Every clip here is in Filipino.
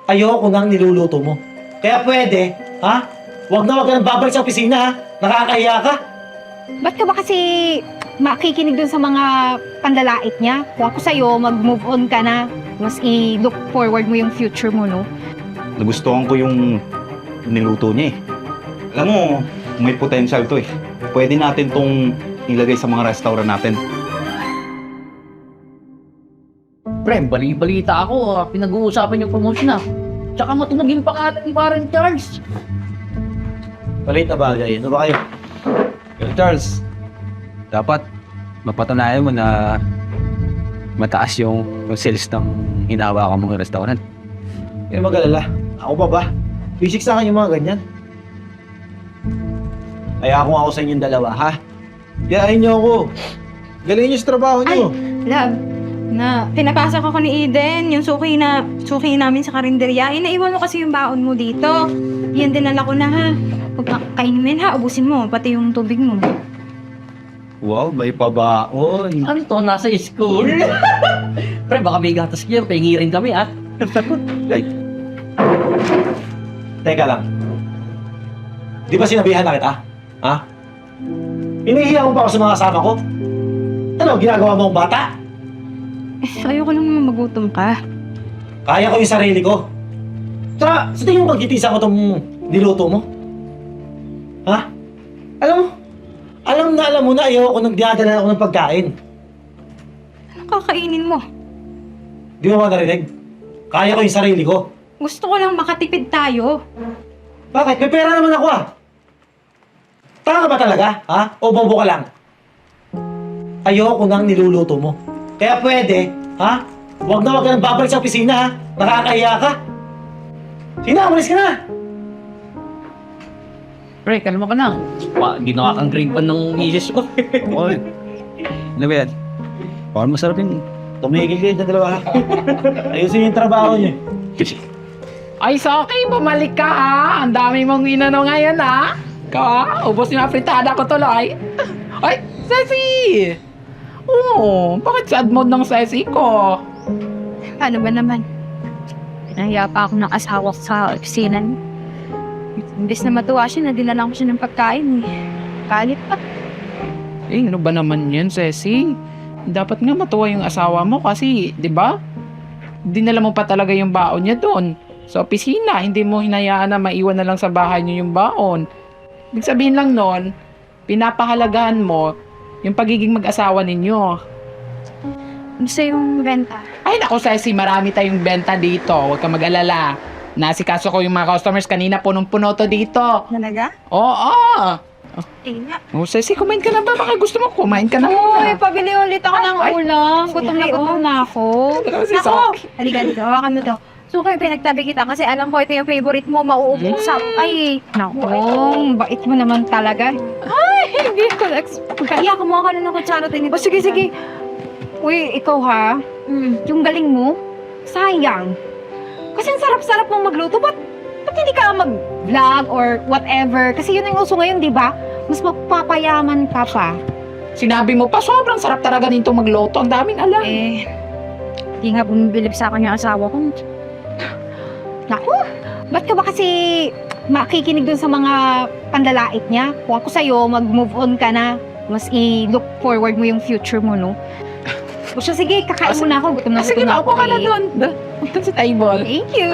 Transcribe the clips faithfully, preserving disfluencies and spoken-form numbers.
ayoko nang niluluto mo. Kaya pwede, ha? Huwag na huwag ka nang babalik sa opisina, ha? Nakakahiya ka. Ba't ka ba kasi makikinig dun sa mga panlalait niya? Kung ako sa'yo, mag-move on ka na. Mas i-look forward mo yung future mo, no? Nagustuhan ko yung niluto niya eh. Alam mo, may potential to eh. Pwede natin tong ilagay sa mga restaurant natin. Pre, bali-balita ako, ah. Pinag-uusapan yung promotion na. Tsaka matunagin pa ka ni parang Charles. Malit na bagay. Ano ba kayo? Charles, dapat mapatunayan mo na mataas yung, yung sales ng hinahawakan mong restaurant. Hindi mag-alala. Ako pa ba? Basic sa akin yung mga ganyan. Kaya ako ako sa inyong dalawa, ha? Yayain niyo ako. Galing niyo sa trabaho niyo. Love, na pinapasa ko ni Eden, yung suki na suki namin sa karinderya. Inaiwan mo kasi yung baon mo dito. Yan dinala ko na, ha? Huwag kang kainin, ha? Ubusin mo, pati yung tubig mo. Wow, may pabaon. Ano to, nasa school? Pre, baka may gatas niya, pahingi rin kami, ah. Like, Teka lang. Di ba sinabihan na kita? Ha? Inihiya mo pa ako sa mga kasama ko? Ano, ginagawa mo akong bata? Eh, ayoko lang naman magutom ka. Kaya ko yung sarili ko. Tsaka, sa tingin mo pagkitisa ko itong niluto mo? Ha? Alam mo, alam na alam mo na ayaw ako nang dinadala ako ng pagkain. Anong kakainin mo? Di mo ba narinig? Kaya ko yung sarili ko. Gusto ko lang makatipid tayo. Bakit? May pera naman ako ah. Tanga ka ba talaga? Ha? O bobo ka lang? Ayoko nang niluluto mo. Kaya pwede, ha? Huwag na huwag ka nang babalik sa opisina, ha? Nakakahiya ka. Sige na, umalis ka na. Pre, kalma ka na. Wa, ginawa kang grade one ng misis ko. Oy, ano ba yan? Parang masarap yun. Tumigil kayo dyan dalawa, ha? Ayusin yung trabaho niyo. Ay, Soki, bumalik ka ha. Ang dami mong inano ngayon ha. Ka, ubos yung afritada ko tuloy. Ay, Ceci! Oo, bakit sad mode ng Ceci ko? Paano ba naman? Nahiya pa ako ng asawa ko sa opisina niya. Imbes na matuwa siya, nadinalan ko siya ng pagkain. eh. Kalit pa. Eh, ano ba naman yan, Ceci? Dapat nga matuwa yung asawa mo kasi, di ba? Dinala mo pa talaga yung baon niya doon. Sa opisina, hindi mo hinayaan na maiwan na lang sa bahay niyo yung baon. Ibig sabihin lang nun, pinapahalagahan mo yung pagiging mag-asawa ninyo. Ano sa yung renta? Ay naku, Ceci, marami tayong benta dito. Huwag ka mag-alala. Nasikaso ko yung mga customers kanina, punong-puno to dito. Talaga? Oo! Eh nga. Oh, Ceci, kumain ka na ba? Baka gusto mo, kumain ka na Uy, muna. pabili ulit ako ng Ay. ulam. Gutom na gutom na ako. Ano si Nako! Soki? Halika dito, hawakan mo to. So, kayo pinagtabi kita kasi alam ko ito yung favorite mo, mauubos sa... Ay, naku, bait mo naman talaga. Ay, hindi ko na-expect. Kaya kumuha ka na ng kutsara tayo. O, sige, sige. Uy, ikaw ha, mm, yung galing mo, sayang. Kasi ang sarap-sarap mong magluto, ba't, ba't hindi ka mag-vlog or whatever? Kasi yun ang uso ngayon, di ba? Mas mapapayaman ka pa. Sinabi mo pa, sobrang sarap talaga nito magluto. Ang daming alam. Eh, hindi nga bumibilib sa akin yung asawa ko. Naku, ba't ka ba kasi makikinig dun sa mga panlalait niya? Kung ako sa'yo, mag-move on ka na. Mas i-look forward mo yung future mo, no? O siya, sige, kakain Ah, muna ako. Gutom na Ah, sige, gutom na maupo ako ka na eh. doon. Doon sa table. Thank you!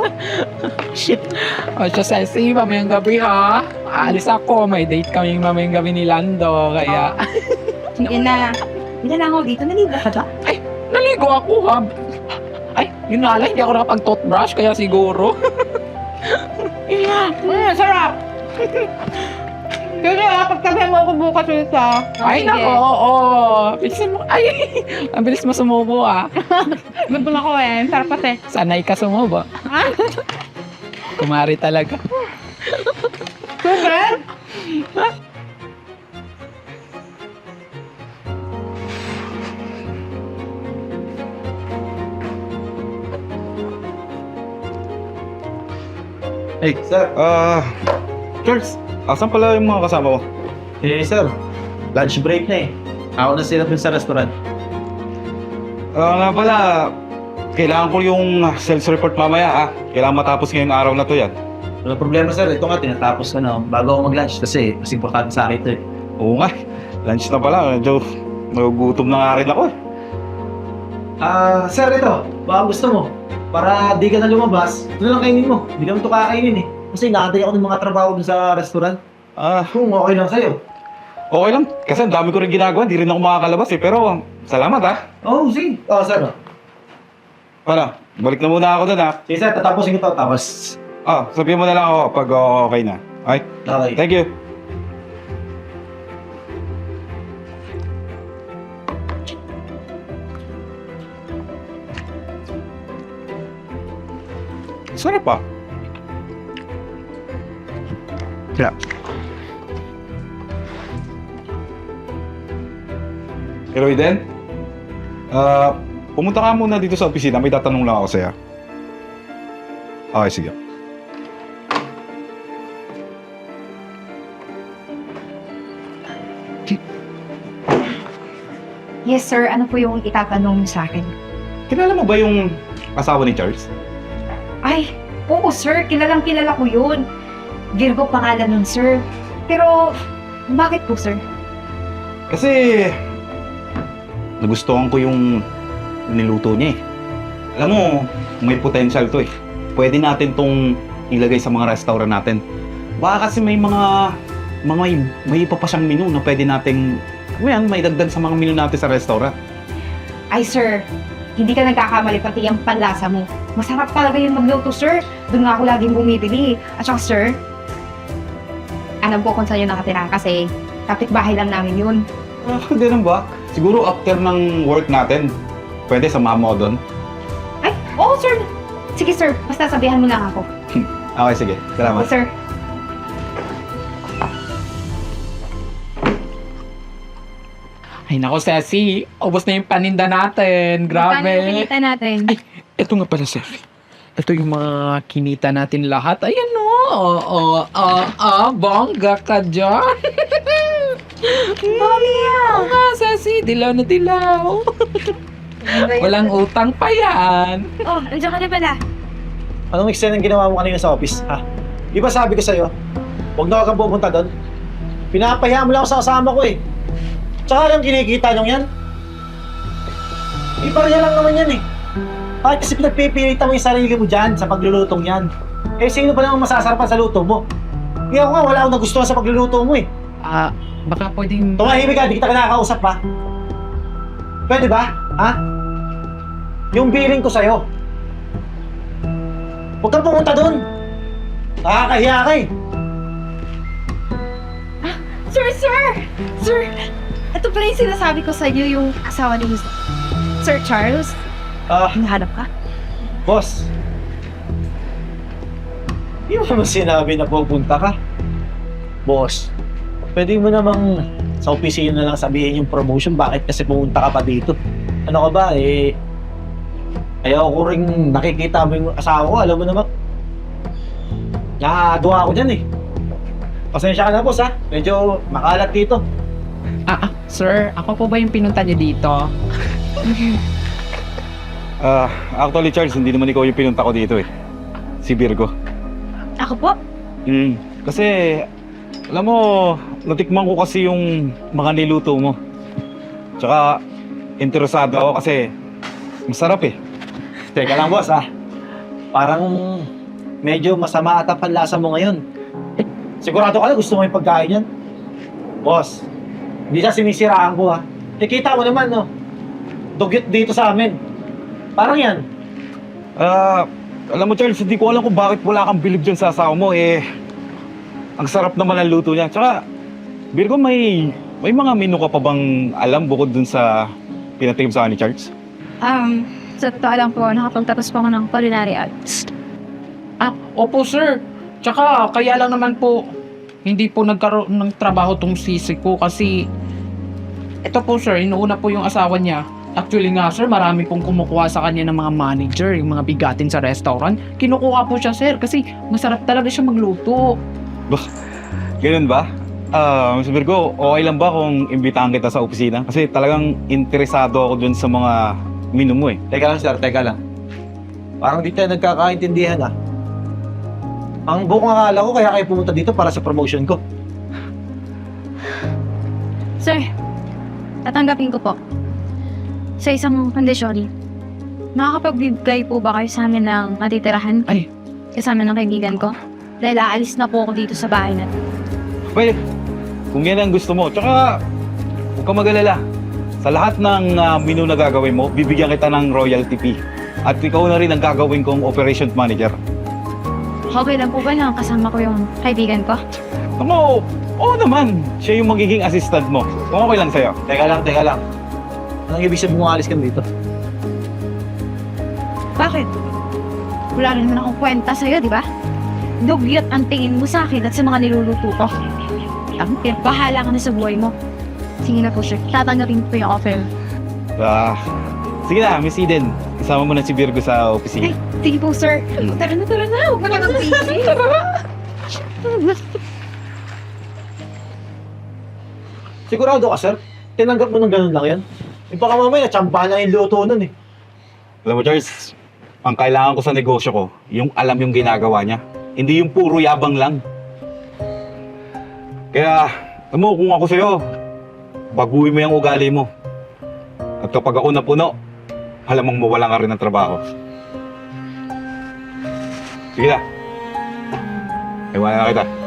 Shit. O siya, Ceci, mamayang gabi ha. Aalis ako. May date kami mamayang gabi ni Lando. Kaya, Sige na. Hindi na ako dito. Naligo ka ba? naligo ako ha. Ay, yun nga lang, hindi ako nakapag-toothbrush. Kaya siguro. Mm, sarap! Sige ah, pagtabihan mo ako bukas ulit ah. Ay, Sige. nako, oo. Bilisan mo. Ay, ang bilis mo sumubo ah. Gutom ako eh. Sarap kasi. Sanay ka sumubo. Kumari talaga. Super! hey, sir, ah, Charles, asan pala yung mga kasama mo? Eh, sir, lunch break na eh. Ako na sila dun sa restaurant. Ah, nga pala, kailangan ko yung sales report mamaya ha. Kailangan matapos ngayong araw na to yan. Wala problema sir, ito nga tinatapos ko na bago ako mag-lunch kasi mas importante sa akin ito eh. Oo nga, lunch na pala. Medyo nagugutom na nga rin ako eh. Ah, sir, ito. Baka gusto mo. Para di ka na lumabas, ito na lang kainin mo. Hindi naman ito kakainin eh. Kasi nakatay ako ng mga trabaho dun sa restaurant. Ah, Kung okay lang sa'yo. okay lang. Kasi ang dami ko rin ginagawa. Hindi rin ako makakalabas eh. Pero salamat ha. Oo, oh, sige. Oo, sir. oh. Ano, balik na muna ako dun ha. Sige, sir. Tatapusin ko ito. Tapos, Ah, sabihin mo na lang ako pag uh, okay na. Okay? okay. Thank you. Sarap pa. Yeah. Pero Eden, ah, pumunta ka muna dito sa opisina. May tatanong lang ako sa'yo. Okay, sige. Yes, sir. Ano po yung itatanong niyo sa akin? Kilala mo ba yung asawa ni Charles? Ay, oo, sir. Kilalang kilala ko yun. Virgo pangalan nun, sir. Pero, bakit po, sir? Kasi nagustuhan ko yung niluto niya eh. Alam mo, may potential to eh. Pwede natin tong ilagay sa mga restaurant natin. Baka kasi may mga mga may, may ipa pa siyang menu na pwede nating ano yan, may dagdag sa mga menu natin sa restaurant. Ay, sir. Hindi ka nagkakamali pati ang panlasa mo. Masarap talaga yung magluto, sir. Doon nga ako laging bumibili. At saka, sir, alam ko kung saan yun nakatira kasi kapitbahay lang namin yun. Ah, ganun ba? Siguro after ng work natin, pwede sa mama ko doon. Ay, oo, sir. Sige, sir. Basta sabihan mo lang ako. Okay, sige. Oo, Salamat. sir. Ay nako, Ceci. Ubos na yung paninda natin. Paano yung Grabe. kinita natin? Ay, ito nga pala, Ceci. Ito yung mga kinita natin lahat. Ayan o. Oo, oo, oo, oo. Bongga ka dyan. Mami, Oo nga, Ceci. Dilaw na dilaw. Walang utang pa yan. Oh, nandiyan ka na pala. Anong extent ang ginawa mo kanina sa office, ha? Di ba sabi ko sa'yo, huwag na huwag kang pupunta doon? Pinapahiya mo lang ako sa kasama ko eh. Tsaka lang kinikita nyo yan. Ibarya lang naman yan eh. Bakit kasi pinagpipilitan mo yung sarili mo dyan sa paglulutong yan? Eh, sino pa naman masasarapan sa luto mo? Kaya ako nga, wala akong nagustuhan sa pagluluto mo eh. Ah, baka pwedeng... Tumahimik ka, di kita kinakausap pa. Pwede ba? Ha? Yung billing ko sa'yo. Huwag kang pumunta doon. Nakakahiya ka eh. Sir, sir! Sir, ito pala yung sinasabi ko sa iyo, yung asawa ni Sir Charles. Ah, Hinahanap ka? boss. Hindi mo naman sinabi na pupunta ka. Boss, pwede mo namang sa opisina na lang sabihin yung promotion, bakit kasi pumunta ka pa dito? Ano ka ba, eh... Ayaw ko rin nakikita mo yung asawa ko, alam mo naman. Nakakadwa ako dyan eh. Pasensya ka na, boss ha. Medyo makalat dito. Ah, ah, sir, ako po ba yung pinunta niyo dito? Ah, actually Charles, hindi naman ikaw yung pinunta ko dito eh. Si Virgo. Ako po? Mm, kasi, alam mo, natikman ko kasi yung mga niluto mo. Tsaka, interesado ako kasi masarap eh. Teka lang, boss ha. Parang medyo masama ata panlasa mo ngayon. Sigurado ka na gusto mo yung pagkain yan? Boss, hindi siya sinisiraan ko ha. Nakita mo naman no, dugyot dito sa amin. Parang yan. Ah, alam mo Charles, hindi ko alam kung bakit wala kang bilib dyan sa asawa mo eh. Ang sarap naman ang luto niya. Tsaka, Virgo, may may mga menu ka pa bang alam bukod dun sa pinatikim sa akin ni Charles? Um, sa totoo lang po, nakapagtapos po ako ng culinary arts. Ah, opo, sir. Tsaka, kaya lang naman po, hindi po nagkaroon ng trabaho tong sisi ko kasi ito po, sir, inuuna po yung asawa niya. Actually nga, sir, marami pong kumukuha sa kanya ng mga manager, yung mga bigatin sa restaurant. Kinukuha po siya, sir, kasi masarap talaga siya magluto. Ganun ba? Ah, Mister Virgo, okay lang ba kung imbitahan kita sa opisina? Kasi talagang interesado ako dun sa mga menu mo eh. Teka lang sir, teka lang. Parang di tayo nagkakaintindihan ah. Ang buong akala ko kaya kayo pumunta dito para sa promotion ko. Sir, tatanggapin ko po. Sa isang kondisyon, makakapagbigay po ba kayo sa amin ng matitirahan? Ay. Kasama ng kaibigan ko? Dahil aalis na po ako dito sa bahay na. Pwede. Kung yan ang gusto mo. Tsaka, huwag ka mag-alala. Sa lahat ng ah, menu na gagawin mo, bibigyan kita ng royalty fee. At ikaw na rin ang gagawin kong operations manager. Okay lang po ba na kasama ko yung kaibigan ko? Ako, oo naman. Siya yung magiging assistant mo. Kung okay lang sa'yo. Teka lang, teka lang. Anong ibig sabihin mo alis ka dito? Bakit? Wala rin naman akong kwenta sa'yo, di ba? Dugyot ang tingin mo sa akin at sa mga niluluto ko. Ang bahala ka na sa buhay mo. Sige na po, sir. Tatanggapin ko yung offer. Ah, sige na, Miss Eden. Isama mo na si Virgo sa Ay, opisina. sige po, sir. Tara na, tara na. Huwag mo na mag-busy. Sigurado ka, sir? Tinanggap mo ng ganun lang yan? Yung baka mamaya, tsambahan lang yung luto nun eh. Alam mo, Charles, ang kailangan ko sa negosyo ko, yung alam yung ginagawa niya. Hindi yung puro yabang lang. Kaya, alam mo, kung ako sa'yo, baguhin mo yung ugali mo. At kapag ako napuno, alam mong mawala ka rin ng trabaho. Sige na. Iwanan na kita.